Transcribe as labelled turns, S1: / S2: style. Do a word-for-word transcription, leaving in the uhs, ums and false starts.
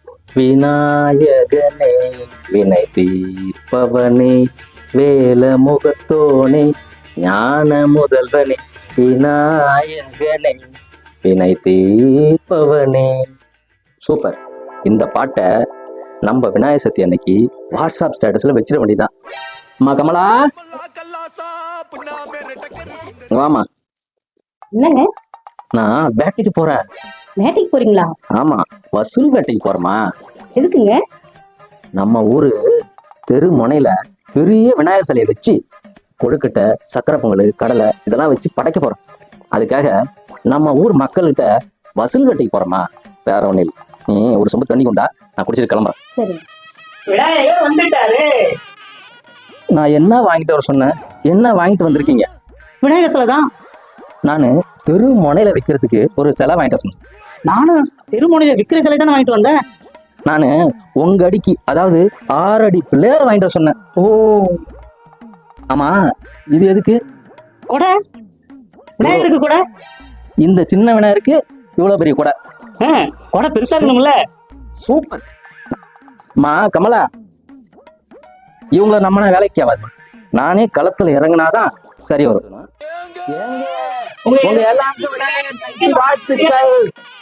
S1: விநாயகனே வினை தீர்ப்பவனே வேல முகத்தோனே ஞான முதல்வனே விநாயகனே வினை தீர்ப்பவனே. சூப்பர். இந்த பாட்டை நம்ம விநாயகர் சதுர்த்தி அன்னைக்கு வாட்ஸ்அப் ஸ்டேட்டஸ்ல வச்சிட வேண்டியதான். அம்மா கமலா, வாமா.
S2: என்னங்க?
S1: நான் வேட்டைக்கு போறேன்.
S2: வேட்டைக்கு போறீங்களா?
S1: ஆமா, வசூல் வேட்டைக்கு போறேமா.
S2: எதுக்குங்க?
S1: நம்ம ஊரு தெரு முனையில பெரிய விநாயகர் சிலையை வச்சு கொழுக்கட்டை, சக்கரை பொங்கல், கடலை இதெல்லாம் வச்சு படைக்க போறோம். அதுக்காக நம்ம ஊர் மக்கள்கிட்ட வசூல் வேட்டைக்கு போறோமா. வேற ஒண்ணு இல்லை. நீ ஒரு சொம்பு தண்ணி கொண்டா, நான் குடிச்சிட்டு கிளம்புறேன்.
S2: சரி.
S3: விநாயகர் வந்துட்டாரு.
S1: நான் என்ன வாங்கிட்டு வர சொன்னேன்? என்ன வாங்கிட்டு வந்திருக்கீங்க?
S3: விநாயகர் சிலை தான்.
S1: நானு தெரு முனையில வைக்கிறதுக்கு ஒரு சிலை வாங்கிட்டு சொன்னேன்.
S3: நானும் திருமணியில விக்கிர சிலை தானே வாங்கிட்டு வந்தேன்.
S1: நானு உங்க அடிக்கு, அதாவது ஆறு அடி பிள்ளையார வாங்கிட்டு சொன்னேன்.
S3: ஓ
S1: ஆமா, இது எதுக்கு?
S3: கொடை. விநாயகருக்கு கொடை.
S1: இந்த சின்ன விநாயகருக்கு இவ்வளவு பெரிய கொடை.
S3: கொடை பெருசா இருக்கணும்ல.
S1: சூப்பர். மா கமலா, இவங்கள நம்ம வேலைக்கு ஆகாதுமா. நானே களத்துல இறங்கினாதான் சரி வரும். உங்க எல்லாருக்கும் விநாயகர் சதுர்த்தி வாழ்த்துக்கள்.